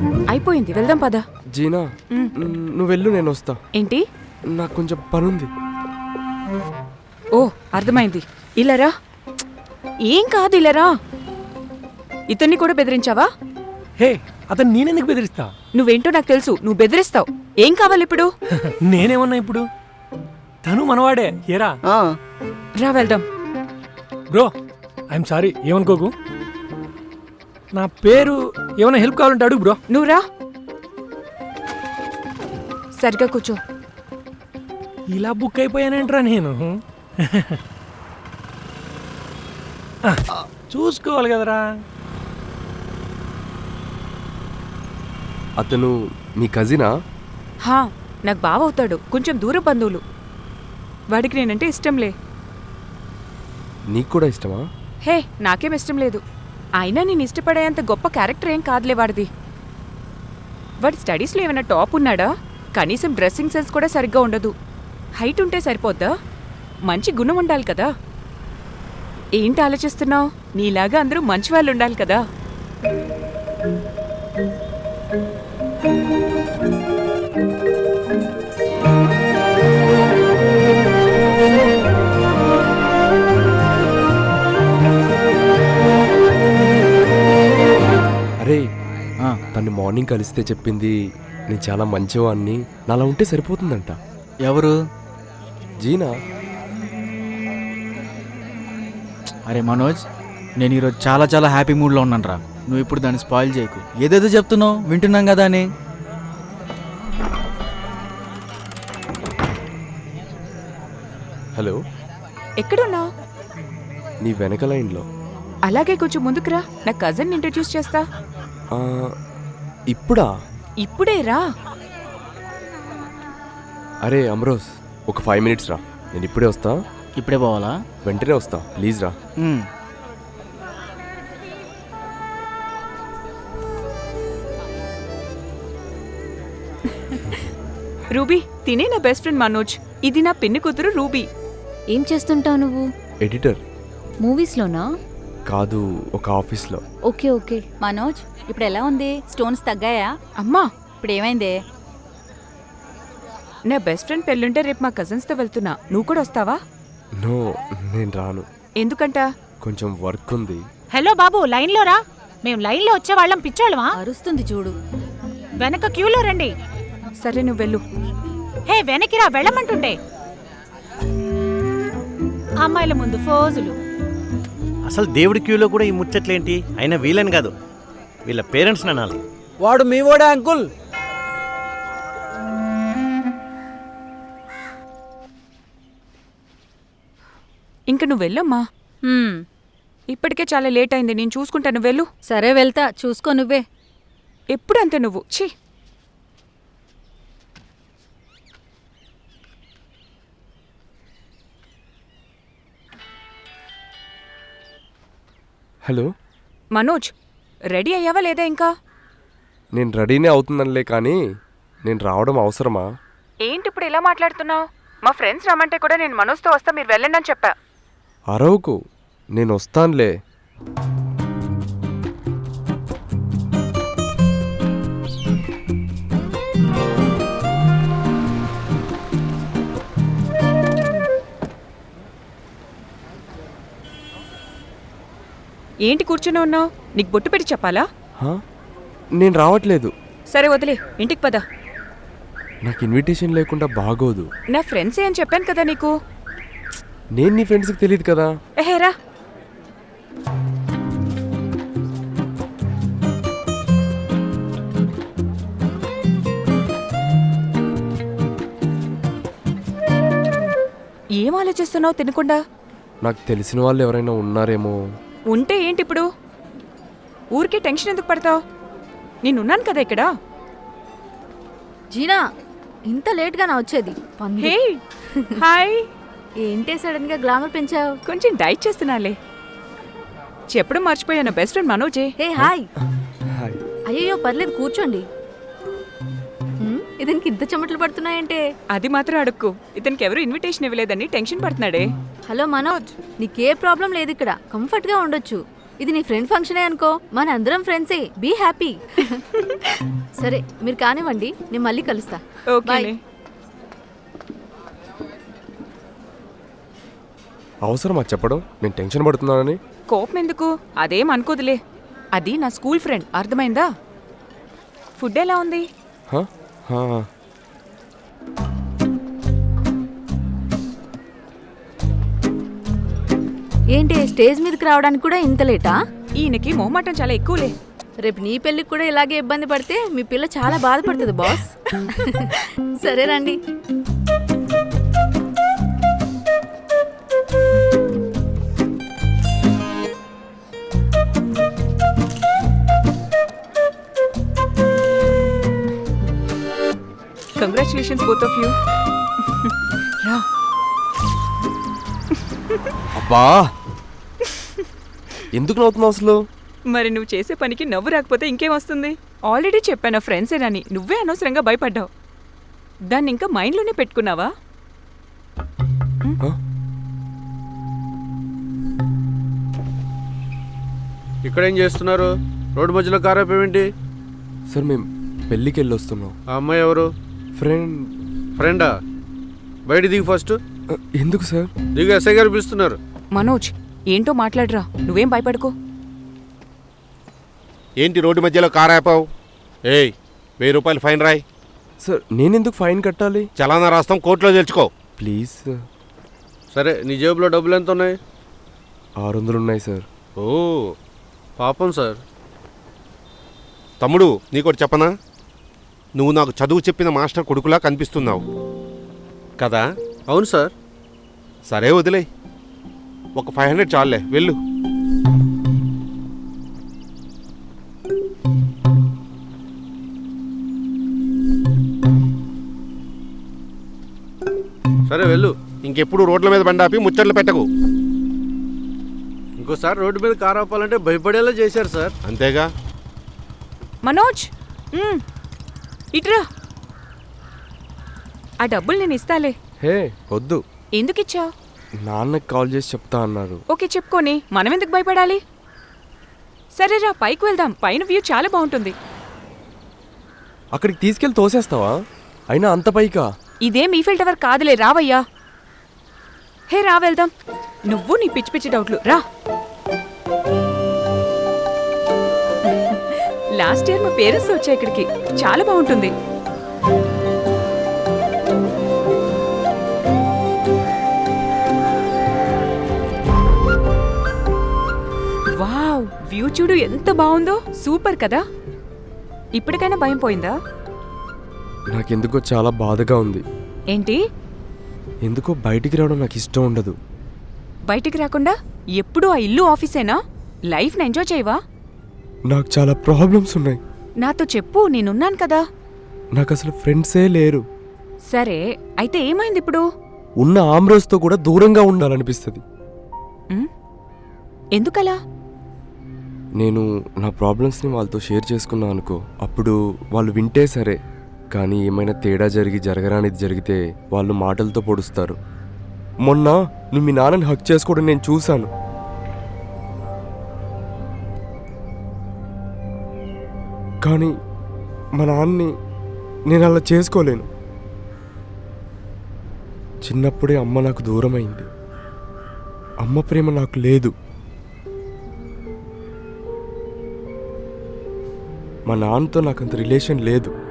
అయిపోయింది, వెళ్దాం పద. జీనా నువ్వు వెళ్ళు, నేను వస్తా. ఏంటి? నాకు కొంచెం పనుంది. ఓ అర్థమైంది, ఇలారా. ఏం కాదు, ఇలారా. ఇతన్ని కూడా బెదిరించావా? హే, అతను నేనెందుకు బెదిరిస్తా? నువ్వేంటో నాకు తెలుసు, నువ్వు బెదిరిస్తావు. ఏం కావాలి ఇప్పుడు? నేనేమన్నా ఇప్పుడు? తను మనవాడే, ఏరా. రా వెళ్దాం. బ్రో, ఐఎమ్ సారీ, ఏమనుకోకు. నా పేరు ఏమైనా హెల్ప్ కావాలంటే అడుగు బ్రో. నువ్వు రా, సరిగ్గా కూర్చో. ఇలా బుక్ అయిపోయానేంట్రా నేను. చూసుకోవాలి కదరా. అతను మీ కజినా? హా, నాకు బావ అవుతాడు, కొంచెం దూర బంధువులు. వాడికి నేనంటే ఇష్టంలే. నీకు కూడా ఇష్టమా? హే, నాకేం ఇష్టం లేదు. అయినా నేను ఇష్టపడేంత గొప్ప క్యారెక్టర్ ఏం కాదులే వాడిది. వాడి స్టడీస్లో ఏమైనా టాప్ ఉన్నాడా? కనీసం డ్రెస్సింగ్ సెన్స్ కూడా సరిగ్గా ఉండదు. హైట్ ఉంటే సరిపోద్దా? మంచి గుణం ఉండాలి కదా. ఏంటి ఆలోచిస్తున్నావు? నీలాగా అందరూ మంచి వాళ్ళు ఉండాలి కదా. అరే, తను మార్నింగ్ కలిస్తే చెప్పింది నేను చాలా మంచివాడిని, నాలా ఉంటే సరిపోతుందంట. ఎవరు? జీనా. అరే మనోజ్, నేను ఈరోజు చాలా చాలా హ్యాపీ మూడ్లో ఉన్నాను రా. నువ్వు ఇప్పుడు దాన్ని స్పాయిల్ చేయకు. ఏదేదో చెప్తున్నావు, వింటున్నాం కదా అని. హలో, ఎక్కడున్నావు? నీ వెనక లైన్లో. అలాగే కొంచెం ముందుకురా, నా కజిన్ ఇంట్రడ్యూస్ చేస్తా. ఇప్పుడా? ఇప్పుడే రా. అరే అమ్రోజ్, ఒక 5 minutes రా, నేను ఇప్పుడే వస్తా. ఇప్పుడే పోవాలా? వెంటనే వస్తా, ప్లీజ్ రా. రూబీ, తినే నా బెస్ట్ ఫ్రెండ్ మనోజ్. ఇది నా పిన్ని కూతురు రూబీ. ఏం చేస్తుంటావు నువ్వు? ఎడిటర్. మూవీస్లోనా? కాదు, ఒక ఆఫీస్లో. Okay okay. మనోజ్, ఇప్పుడు ఎలా ఉంది? స్టోన్స్ తగ్గాయా? అమ్మా, ఇప్పుడు ఏమైందే? నా బెస్ట్ ఫ్రెండ్ పెళ్ళుంటే రేపు మా కజిన్స్తో వెళ్తున్నా. నువ్వు కూడా వస్తావా? నో, నేను రాను. ఎందుకంట? కొంచెం వర్క్ ఉంది. హలో బాబు, లైన్లో రా. మేము లైన్లో వచ్చేవాళ్ళం పిచ్చోళ్ళమా? అరుస్తుంది చూడు. వెనక క్యూలో రండి. సరే, నువ్వు వెళ్ళు. హే, వెనక్కిరా, వెళ్ళమంటుండే. అమ్మాయిల ముందు ఫోజులు. అసలు దేవుడి క్యూలో కూడా ఈ ముచ్చట్లేంటి? అయినా వీళ్ళని కాదు, వీళ్ళ పేరెంట్స్ అనాలి. వాడు మీ వాడే అంకుల్. ఇంక నువ్వు వెళ్ళమ్మా. ఇప్పటికే చాలా లేట్ అయింది, నేను చూసుకుంటాను. వెళ్ళు. సరే, వెళ్తా, చూసుకో నువ్వే. ఎప్పుడు అంతే నువ్వు. ఛీ. హలో మనోజ్, రెడీ అయ్యావా లేదా ఇంకా? నేను రెడీనే అవుతుందనిలే, కానీ నేను రావడం అవసరమా? ఏంటి ఇప్పుడు ఇలా మాట్లాడుతున్నావు? మా ఫ్రెండ్స్ రమ్మంటే కూడా నేను మనోజ్తో వస్తా, మీరు వెళ్ళండి అని చెప్పా. అరవకు, నేను వస్తానులే. ఏంటి కూర్చుని ఉన్నావు? నీకు బొట్టు పెట్టి చెప్పాలా? నేను రావట్లేదు. సరే వదిలే, ఇంటికి పద. నాకు ఇన్విటేషన్ లేకుండా బాగోదు. నా ఫ్రెండ్సే అని చెప్పాను కదా నీకు. నేను నీ ఫ్రెండ్స్కి తెలియదు కదా. ఎహేరా. ఏం ఆలోచిస్తున్నావు తినకుండా? నాకు తెలిసిన వాళ్ళు ఎవరైనా ఉన్నారేమో. ఉంటే ఏంటి ఇప్పుడు? ఊరికే టెన్షన్ ఎందుకు పడతావు? నేనున్నాను కదా ఇక్కడ. జీనా, ఇంత లేట్గా నా వచ్చేది? Hey, hi. ఏంటే సడన్ గా గ్లామర్ పెంచావు? కొంచెం డైట్ చేస్తున్నాలే. చెప్పడం మర్చిపోయాను, బెస్ట్ ఫ్రెండ్ మనోజే. Hey hi. హాయ్. అయ్యో పర్లేదు, కూర్చోండి. ఇతనికి ఇంత చెమటలు పడుతున్నాయంటే? అది మాత్రం అడుక్కు. ఇతనికి ఎవరు ఇన్విటేషన్ ఇవ్వలేదని టెన్షన్ పడుతున్నాడే. హలో మనోజ్, నీకే ప్రాబ్లం లేదు ఇక్కడ, కంఫర్ట్ గా ఉండొచ్చు. ఇది నీ ఫ్రెండ్ ఫంక్షనే అనుకో, మన అందరం ఫ్రెండ్సే, బీ హ్యాపీ. సరే మీరు కానివ్వండి, నేను మళ్ళీ కలుస్తా. ఓకేనే. అవసరమా చెప్పడం నేను టెన్షన్ పడుతున్నానని? కోపం ఎందుకు? అదేం అనుకోదులే. అది నా స్కూల్ ఫ్రెండ్, అర్థమైందా? ఫుడ్ ఎలా ఉంది? హ? హా. ఏంటి స్టేజ్ మీదకి రావడానికి కూడా ఇంత లేటా? ఈయనకి మొహమాటం చాలా ఎక్కువలే. రేపు నీ పెళ్ళికి కూడా ఇలాగే ఇబ్బంది పడితే మీ పిల్ల చాలా బాధపడుతుంది బాస్. సరే రండి. Congratulations both of you. రా. అబ్బా ఎందుకు నవ్వుతున్నావు అసలు? మరి నువ్వు చేసే పనికి నవ్వు రాకపోతే ఇంకేం వస్తుంది? ఆల్రెడీ చెప్పాను ఫ్రెండ్సేనని, నువ్వే అనవసరంగా భయపడ్డావు. దాన్ని ఇంకా మైండ్లోనే పెట్టుకున్నావా? ఇక్కడ ఏం చేస్తున్నారు? రోడ్డు మధ్యలో కార్ ఆపేమేంటి? సార్ మేము పెళ్ళికి వెళ్ళి వస్తున్నాం. ఆ అమ్మాయి ఎవరు? ఫ్రెండా? బయట దిగు ఫస్ట్. ఎందుకు సార్? దిగు, ఎస్ఐ గారు పిలుస్తున్నారు. మనోజ్, ఏంటో మాట్లాడరా, నువ్వేం భయపడుకో. ఏంటి రోడ్డు మధ్యలో కార్ ఆపావు? ఏయ్, 1000 రూపాయలు ఫైన్ రాయ్. సార్ నేనెందుకు ఫైన్ కట్టాలి? చలానా రాస్తాం, కోర్టులో తెలుసుకో. Please sir. సరే, నీ జేబులో డబ్బులు ఎంత ఉన్నాయి? 600 ఉన్నాయి సార్. ఓ పాపం సార్. తమ్ముడు, నీకోటి చెప్పనా? నువ్వు నాకు చదువు చెప్పిన మాస్టర్ కొడుకులా కనిపిస్తున్నావు కదా? అవును సార్. సరే వదిలే, ఒక 500 చాలులే, వెళ్ళు. సరే వెళ్ళు, ఇంకెప్పుడు రోడ్ల మీద బండాపి ముచ్చట్లు పెట్టకు. ఇంకోసారి రోడ్డు మీద కారు ఆపాలంటే భయపడేలా చేశారు సార్. అంతేగా. మనోజ్, ఇట్రా. ఆ డబ్బులు నేను ఇస్తాలే. హే వద్దు. ఎందుకిచ్చావు? నాన్నకి కాల్ చేసి చెప్తా అన్నారు. ఓకే చెప్పుకొని మనం ఎందుకు భయపడాలి? సరేరా, పైకి వెళ్దాం, పైన వ్యూ చాలా బాగుంటుంది. అక్కడికి తీసుకెళ్ళి తోసేస్తావా? అయినా అంత పైకా? ఇదేం ఈఫిల్ టవర్ కాదులే, రావయ్యా. హే రా వెళ్దాం. నువ్వు నీ పిచ్చి పిచ్చి డౌట్లు రా. లాస్ట్ ఇయర్ మా పేరెంట్స్ వచ్చాయి ఇక్కడికి, చాలా బాగుంటుంది. వావ్, వ్యూ చూడు ఎంత బాగుందో. సూపర్ కదా. ఇప్పటికైనా భయం పోయిందా? నాకెందుకో చాలా బాధగా ఉంది. ఏంటి? ఎందుకో బయటికి రావడం నాకు ఇష్టం ఉండదు. బయటికి రాకుండా ఎప్పుడూ ఆ ఇల్లు ఆఫీసేనా? లైఫ్ని ఎంజాయ్ చేయవా? నాకు చాలా ప్రాబ్లమ్స్ ఉన్నాయి. నాతో చెప్పు, నేనున్నాను కదా. నాకు అసలు ఫ్రెండ్సే లేరు. సరే, అయితే ఏమైంది ఇప్పుడు? ఉన్న ఆమ్రోస్తో కూడా దూరంగా ఉండాలనిపిస్తుంది. ఎందుకలా? నేను నా ప్రాబ్లమ్స్ని వాళ్ళతో షేర్ చేసుకున్నా అనుకో, అప్పుడు వాళ్ళు వింటే సరే, కానీ ఏమైనా తేడా జరగరానిది జరిగితే వాళ్ళు మాటలతో పొడుస్తారు. మొన్న నువ్వు మీ నాన్నని హక్ చేసుకోవడం నేను చూశాను. కానీ మా నాన్నని నేను అలా చేసుకోలేను. చిన్నప్పుడే అమ్మ నాకు దూరమైంది. అమ్మ ప్రేమ నాకు లేదు. మా నాన్నతో నాకంత రిలేషన్ లేదు.